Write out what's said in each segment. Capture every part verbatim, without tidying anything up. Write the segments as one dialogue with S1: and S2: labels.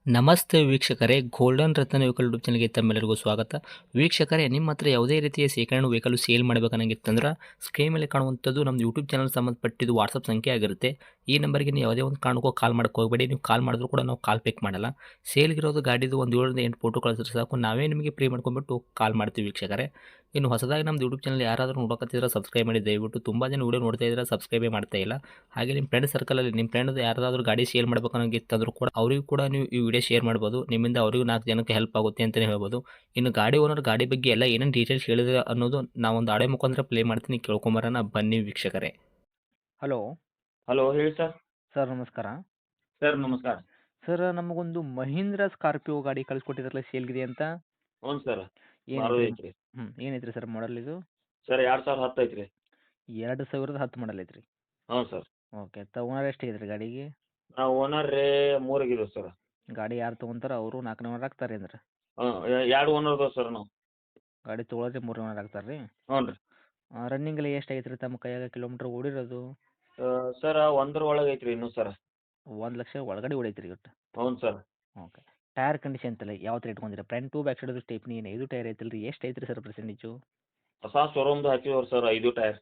S1: ನಮಸ್ತೆ ವೀಕ್ಷಕರೇ, ಗೋಲ್ಡನ್ ರತ್ನ vehicle YouTube ಚಾನಲ್ಗೆ ತಮ್ಮೆಲ್ಲರಿಗೂ ಸ್ವಾಗತ. ವೀಕ್ಷಕರೇ, ನಿಮ್ಮ ಹತ್ರ ಯಾವುದೇ ರೀತಿಯ ಶೇಖರಣೆ ವೆಹಿಕಲ್ ಸೇಲ್ ಮಾಡಬೇಕನ್ನಂಗಿತ್ತಂದ್ರೆ ಸ್ಕ್ರೀನ್ ಮೇಲೆ ಕಾಣುವಂಥದ್ದು ನಮ್ಮ ಯೂಟ್ಯೂಬ್ ಚಾನಲ್ ಸಂಬಂಧಪಟ್ಟಿದ್ದು ವಾಟ್ಸಪ್ ಸಂಖ್ಯೆ ಆಗಿರುತ್ತೆ. ಈ ನಂಬರ್ಗೆ ನೀವು ಯಾವುದೇ ಒಂದು ಕಾರಣಕ್ಕೂ ಕಾಲ್ ಮಾಡಕ್ಕೆ ಹೋಗಬೇಡಿ. ನೀವು ಕಾಲ್ ಮಾಡಿದ್ರು ಕೂಡ ನಾವು ಕಾಲ್ ಪಿಕ್ ಮಾಡಲ್ಲ. ಸೇಲ್ಗಿರೋದು ಗಾಡಿದು ಒಂದು ಏಳರಿಂದ ಎಂಟು ಫೋಟೋ ಕಳಿಸಿದ್ರೆ ಸಾಕು, ನಾವೇ ನಿಮಗೆ ಪ್ರೀ ಮಾಡ್ಕೊಂಡ್ಬಿಟ್ಟು ಕಾಲ್ ಮಾಡ್ತೀವಿ ವೀಕ್ಷಕರೇ. ಇನ್ನು ಹೊಸದಾಗಿ ನಮ್ಮದು ಯೂಟ್ಯೂಬ್ ಚಾನಲ್ ಯಾರಾದರೂ ನೋಡೋಕತ್ತಿದ್ರೆ ಸಬ್ಸ್ಕ್ರೈಬ್ ಮಾಡಿ ದಯವಿಟ್ಟು. ತುಂಬ ಜನ ವೀಡಿಯೋ ನೋಡ್ತಾ ಇದ್ದಾರೆ, ಸಬ್ಸ್ಕ್ರೈಬೇ ಮಾಡ್ತಾ ಇಲ್ಲ. ಹಾಗೆ ನಿಮ್ಮ ಫ್ರೆಂಡ್ ಸರ್ಕಲಲ್ಲಿ ನಿಮ್ಮ ಫ್ರೆಂಡ್ ಯಾರಾದರೂ ಗಾಡಿ ಸೇಲ್ ಮಾಡ್ಬೇಕನ್ನೋಂಗಿತ್ತಂದ್ರೂ ಕೂಡ ಅವರಿಗೂ ಕೂಡ ನೀವು ಈ ವಿಡಿಯೋ ಶೇರ್ ಮಾಡ್ಬೋದು. ನಿಮ್ಮಿಂದ ಅವರಿಗೂ ನಾಲ್ಕು ಜನಕ್ಕೆ ಹೆಲ್ಪ್ ಆಗುತ್ತೆ ಅಂತಲೇ ಹೇಳ್ಬೋದು. ಇನ್ನು ಗಾಡಿ ಓನರ್ ಗಾಡಿ ಬಗ್ಗೆ ಎಲ್ಲ ಏನೇನು ಡೀಟೇಲ್ಸ್ ಹೇಳಿದ್ರೆ ಅನ್ನೋದು ನಾವೊಂದು ಆಡೆ ಮುಖಾಂತರ ಪ್ಲೇ ಮಾಡ್ತೀನಿ, ಕೇಳ್ಕೊಂಬರೋಣ ಬನ್ನಿ ವೀಕ್ಷಕರೇ.
S2: ಹಲೋ
S3: ಹಲೋ ಹೇಳಿ ಸರ್.
S2: ಸರ್, ನಮಸ್ಕಾರ.
S3: ಸರ್ ನಮಸ್ಕಾರ.
S2: ಸರ್, ನಮಗೊಂದು ಮಹೀಂದ್ರ ಸ್ಕಾರ್ಪಿಯೋ ಗಾಡಿ ಕಳಿಸ್ಕೊಟ್ಟಿದ್ರಲ್ಲ, ಸೇಲ್ಗಿದೆ ಅಂತ.
S3: ಹ್ಞೂ ಸರ್. ಮಾರುತಿ
S2: ಏನೈತ್ರಿ?
S3: ಐತ್ರಿ.
S2: ಹ್ಞೂ ಏನೈತ್ರಿ ಸರ್ ಮಾಡಲ್ ಇದು?
S3: ಸರ್ ಎರಡು ಸಾವಿರದ ಹತ್ತು ಐತ್ರಿ.
S2: ಎರಡು ಸಾವಿರದ ಹತ್ತು ಮಾಡಲ್ ಐತ್ರಿ.
S3: ಹ್ಞೂ ಸರ್.
S2: ಓಕೆ. ತಗೊಂಡ್ರೆ ಎಷ್ಟಾಗೈತ್ರಿ ಗಾಡಿಗೆ?
S3: ನಾವು ಓನರ್ ರೀ ಮೂರಾಗಿದ್ದೀವಿ ಸರ್.
S2: ಗಾಡಿ ಯಾರು ತೊಗೊಂತಾರ ಅವರು ನಾಲ್ಕನೇ ಓನರ್ ಆಗ್ತಾರೆ ಅಂದ್ರೆ?
S3: ಹಾಂ ಎರಡು ಓನರ್ ಅದಾವೆ ಸರ್ ನಾವು.
S2: ಗಾಡಿ ತೊಗೊಳೋದ್ರೆ ಮೂರನೇ ಓನರ್ ಆಗ್ತಾರೆ ರೀ?
S3: ಹ್ಞೂ ರೀ.
S2: ರನ್ನಿಂಗಲ್ಲಿ ಎಷ್ಟಾಗೈತೆ ರೀ ತಮ್ಮ ಕೈಯಾಗ ಕಿಲೋಮೀಟ್ರ್ ಓಡಿರೋದು?
S3: ಸರ್ ಒಂದ್ರ ಒಳಗೆ ಐತ್ರಿ ಇನ್ನೂ ಸರ್.
S2: ಒಂದು ಲಕ್ಷ ಒಳಗಡೆ ಹೊಡೈತ್ರಿ ಒಟ್ಟು?
S3: ಹ್ಞೂ ಸರ್.
S2: ಓಕೆ. ಟೈರ್ ಕಂಡೀಷನ್ ತಲೆ ಯಾವ ಥರ ಇಟ್ಕೊಂಡಿರ? Front to back side stepney ಏನು ಐದು ಟೈರ್ ಐತಲ್ಲ ರೀ? ಎಷ್ಟು ಐತ್ರಿ ಸರ್ ಪರ್ಸೆಂಟೇಜು?
S3: ಹೊಸ ಶೋರೂಮ್ದು ಹಾಕಿವ್ರಿ ಸರ್ ಐದು ಟೈರ್.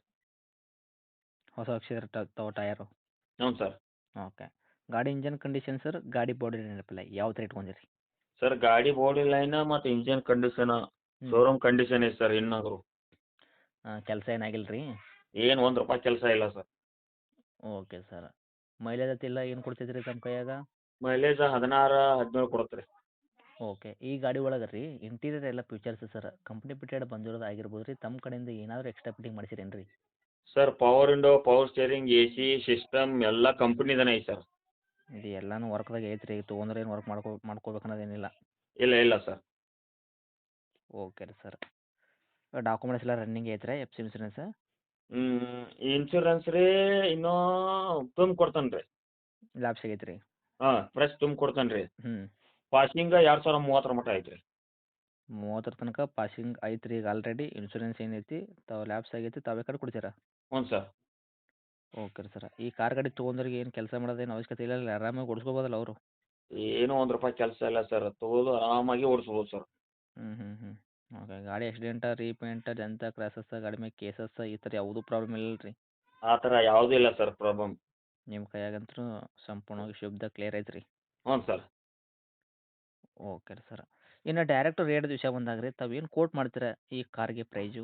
S2: ಹೊಸ ಅಕ್ಷರ ತಗೋ ಟಯರು?
S3: ಹ್ಞೂ ಸರ್.
S2: ಓಕೆ. ಗಾಡಿ ಇಂಜನ್ ಕಂಡೀಷನ್ ಸರ್, ಗಾಡಿ ಬಾಡಿ ನೆನಪಿಲ್ಲ ಯಾವ ಥರ ಇಟ್ಕೊಂಡಿರಿ?
S3: ಸರ್ ಗಾಡಿ ಬಾಡಿ ಲೈನ್ ಮತ್ತು ಇಂಜಿನ್ ಕಂಡೀಷನ್ ಶೋರೂಮ್ ಕಂಡೀಷನ್ ಐತೆ ಸರ್. ಇನ್ನಾದ್ರು
S2: ಕೆಲಸ ಏನಾಗಿಲ್ಲ ರೀ?
S3: ಏನು ಒಂದು ರೂಪಾಯಿ ಕೆಲಸ ಇಲ್ಲ ಸರ್.
S2: Okay sir. ಮೈಲೇಜ್ ಅತ್ತಿಲ್ಲ ಏನು ಕೊಡ್ತೈತ್ರಿ ತಮ್ಮ ಕೈಯಾಗ?
S3: ಮೈಲೇಜ್ ಹದಿನಾರು ಹದಿನೇಳು ಕೊಡುತ್ತೆ ರೀ.
S2: ಓಕೆ. ಈ ಗಾಡಿ ಒಳಗೆ ರೀ ಇಂಟೀರಿಯರ್ ಎಲ್ಲ ಫೀಚರ್ಸ್ ಸರ್ ಕಂಪ್ನಿ ಬಿಟ್ಟೆಡ್ ಬಂದಿರೋದು ಆಗಿರ್ಬೋದು ರೀ, ತಮ್ಮ ಕಡೆಯಿಂದ ಏನಾದರೂ ಎಕ್ಸ್ಟ್ರಾ ಫಿಟ್ಟಿಂಗ್ ಮಾಡಿಸಿರೇನು ರೀ?
S3: Sir power window, power steering, A C system ಎಲ್ಲ ಕಂಪ್ನಿದನೇ ಐತೆ ಸರ್.
S2: ಇದು ಎಲ್ಲನೂ ವರ್ಕ್ದಾಗ ಐತ್ರಿ, ತೊಗೊಂಡ್ರೆ ಏನು ವರ್ಕ್ ಮಾಡ್ಕೋ ಮಾಡ್ಕೋಬೇಕು ಅನ್ನೋದೇನಿಲ್ಲ?
S3: ಇಲ್ಲ ಇಲ್ಲ ಸರ್.
S2: ಓಕೆ ರೀ ಸರ್. ಡಾಕ್ಯುಮೆಂಟ್ಸ್ ಎಲ್ಲ ರನ್ನಿಂಗ್ ಐತ್ರಿ? F C insurance?
S3: ಹ್ಞೂ ಇನ್ಶೂರೆನ್ಸ್ ರೀ ಇನ್ನೂ ತುಂಬ ಕೊಡ್ತಾನೆ ರೀ.
S2: ಲ್ಯಾಬ್ಸ್ ಆಗೈತೆ ರೀ?
S3: ಹಾಂ ಫ್ರೆಶ್ ತುಂಬ ಕೊಡ್ತಾನೆ ರೀ.
S2: ಹ್ಞೂ.
S3: ಪಾಸಿಂಗ ಎರಡು ಸಾವಿರ ಮೂವತ್ತರ ಮಟ್ಟ ಐತೆ ರೀ.
S2: ಮೂವತ್ತರ ತನಕ ಪಾಸಿಂಗ್ ಐತ್ರಿ ಈಗ ಆಲ್ರೆಡಿ. ಇನ್ಸೂರೆನ್ಸ್ ಏನೈತಿ ತಾವು ಲ್ಯಾಬ್ಸ್ ಆಗೈತಿ, ತಾವು ಬೇಕಾದ್ರೆ ಕೊಡ್ತೀರಾ?
S3: ಹ್ಞೂ ಸರ್.
S2: ಓಕೆ ರೀ ಸರ್. ಈ ಕಾರ್ ಗಾಡಿ ತೊಗೊಂಡ್ರಿಗೆ ಏನು ಕೆಲಸ ಮಾಡೋದೇನು ಅವಶ್ಯಕತೆ ಇಲ್ಲ ಅಲ್ಲ, ಆರಾಮಾಗಿ ಓಡಿಸ್ಕೋಬೋದಲ್ಲ ಅವರು?
S3: ಏನೂ ಒಂದು ರೂಪಾಯಿ ಕೆಲಸ ಇಲ್ಲ ಸರ್. ತೊಗೊಳೋದು ಆರಾಮಾಗಿ ಓಡಿಸ್ಬೋದು ಸರ್.
S2: ಹ್ಞೂ ಹ್ಞೂ ಹ್ಞೂ. ಓಕೆ. ಗಾಡಿ ಆಕ್ಸಿಡೆಂಟ, ರೀಪೇಂಟ, ಡೆಂತ, ಕ್ರ್ಯಾಸಸ್, ಗಾಡಿ ಮೇಲೆ ಕೇಸಸ್ ಈ ಥರ ಯಾವುದೂ ಪ್ರಾಬ್ಲಮ್ ಇಲ್ಲ ರೀ?
S3: ಆ ಥರ ಯಾವುದೂ ಇಲ್ಲ ಸರ್ ಪ್ರಾಬ್ಲಮ್.
S2: ನಿಮ್ಮ ಕೈಯಾಗಂತೂ ಸಂಪೂರ್ಣವಾಗಿ ಶುದ್ಧ ಕ್ಲಿಯರ್ ಐತೆ ರೀ?
S3: ಹ್ಞೂ ಸರ್.
S2: ಓಕೆ ರೀ ಸರ್. ಇನ್ನು ಡೈರೆಕ್ಟ್ ರೇಟ್ ವಿಷಯ ಬಂದಾಗ ರೀ, ತಾವು ಏನು ಕೋಟ್ ಮಾಡ್ತೀರಾ ಈ ಕಾರ್ಗೆ ಪ್ರೈಜು?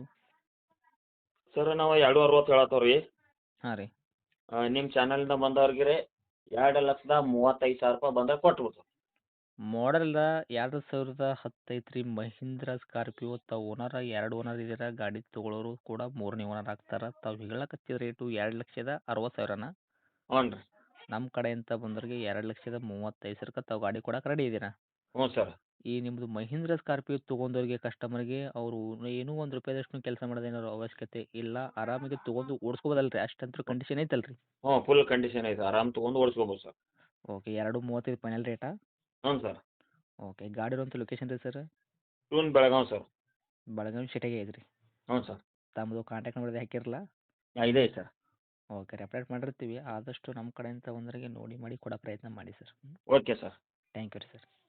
S3: ಸರ್ ನಾವು ಎರಡು ಅರವತ್ತು ಹೇಳತ್ತೇವೆ ರೀ.
S2: ಹಾಂ ರೀ.
S3: ನಿಮ್ಮ ಚಾನಲಿಂದ ಬಂದವ್ರಿಗೆ ರೀ ಎರಡು ಲಕ್ಷದ ಮೂವತ್ತೈದು ಸಾವಿರ ರೂಪಾಯಿ ಬಂದಾಗ ಕೊಟ್ಬಿಡ್ತು.
S2: ಮಾಡಲ್ ಎರಡು ಸಾವಿರದ ಹತ್ತು ಐತ್ರಿ ಮಹೀಂದ್ರ ಸ್ಕಾರ್ಪಿಯೋ. ತಾವು ಓನರ ಎರಡು ಓನರ್ ಇದ್ದೀರಾ, ಗಾಡಿ ತೊಗೊಳೋರು ಕೂಡ ಮೂರನೇ ಓನರ್ ಆಗ್ತಾರೆ. ತಾವು ಹೇಳಕತ್ತಿದ ರೇಟು ಎರಡು ಲಕ್ಷದ ಅರವತ್ತು ಸಾವಿರನ?
S3: ಹ್ಞೂ ರೀ.
S2: ನಮ್ಮ ಕಡೆಯಿಂದ ಬಂದವ್ರಿಗೆ ಎರಡು ಲಕ್ಷದ ಮೂವತ್ತೈದು ಸಾವಿರಕ್ಕೆ ತಾವು ಗಾಡಿ ಕೊಡಕ್ಕೆ ರೆಡಿ ಇದ್ದೀರಾ?
S3: ಹ್ಞೂ ಸರ್.
S2: ಈ ನಿಮ್ಮದು ಮಹೀಂದ್ರ ಸ್ಕಾರ್ಪಿಯೋ ತೊಗೊಂಡವ್ರಿಗೆ ಕಸ್ಟಮರ್ಗೆ ಅವರು ಏನೂ ಒಂದು ರೂಪಾಯಿದಷ್ಟು ಕೆಲಸ ಮಾಡೋದೇನಾದ್ರು ಅವಶ್ಯಕತೆ ಇಲ್ಲ, ಆರಾಮಾಗಿ ತೊಗೊಂಡು ಓಡಿಸ್ಕೋಬೋದಲ್ಲ ರೀ? ಅಷ್ಟಂತೂ ಕಂಡೀಷನ್ ಐತಲ್ಲ ರೀ?
S3: ಹ್ಞೂ ಫುಲ್ ಕಂಡೀಷನ್ ಐತೆ, ಆರಾಮ್ ತೊಗೊಂಡು ಓಡಿಸ್ಕೋಬೋದು ಸರ್.
S2: ಓಕೆ. ಎರಡು ಮೂವತ್ತೈದು ಫೈನಲ್ ರೇಟಾ?
S3: ಹ್ಞೂ ಸರ್.
S2: ಓಕೆ. ಗಾಡಿ ಇರುವಂಥ ಲೊಕೇಶನ್ ರೀ ಸರ್?
S3: ಟೂನ್ ಬೆಳಗಾವಿ ಸರ್.
S2: ಬೆಳಗಾವಿ ಸಿಟಿಗೆ ಐತ್ರಿ?
S3: ಹ್ಞೂ ಸರ್.
S2: ತಮ್ಮದು ಕಾಂಟ್ಯಾಕ್ಟ್ ನಂಬರ್ ಹಾಕಿರಲ್ಲ?
S3: ಇದೆ ಸರ್.
S2: ಓಕೆ ರೀ. ಅಪ್ಡೇಟ್ ಮಾಡಿರ್ತೀವಿ. ಆದಷ್ಟು ನಮ್ಮ ಕಡೆಯಿಂದ ಬಂದವರಿಗೆ ನೋಡಿ ಮಾಡಿ ಕೊಡೋ ಪ್ರಯತ್ನ ಮಾಡಿ sir.
S3: Okay sir.
S2: Thank you ರೀ ಸರ್.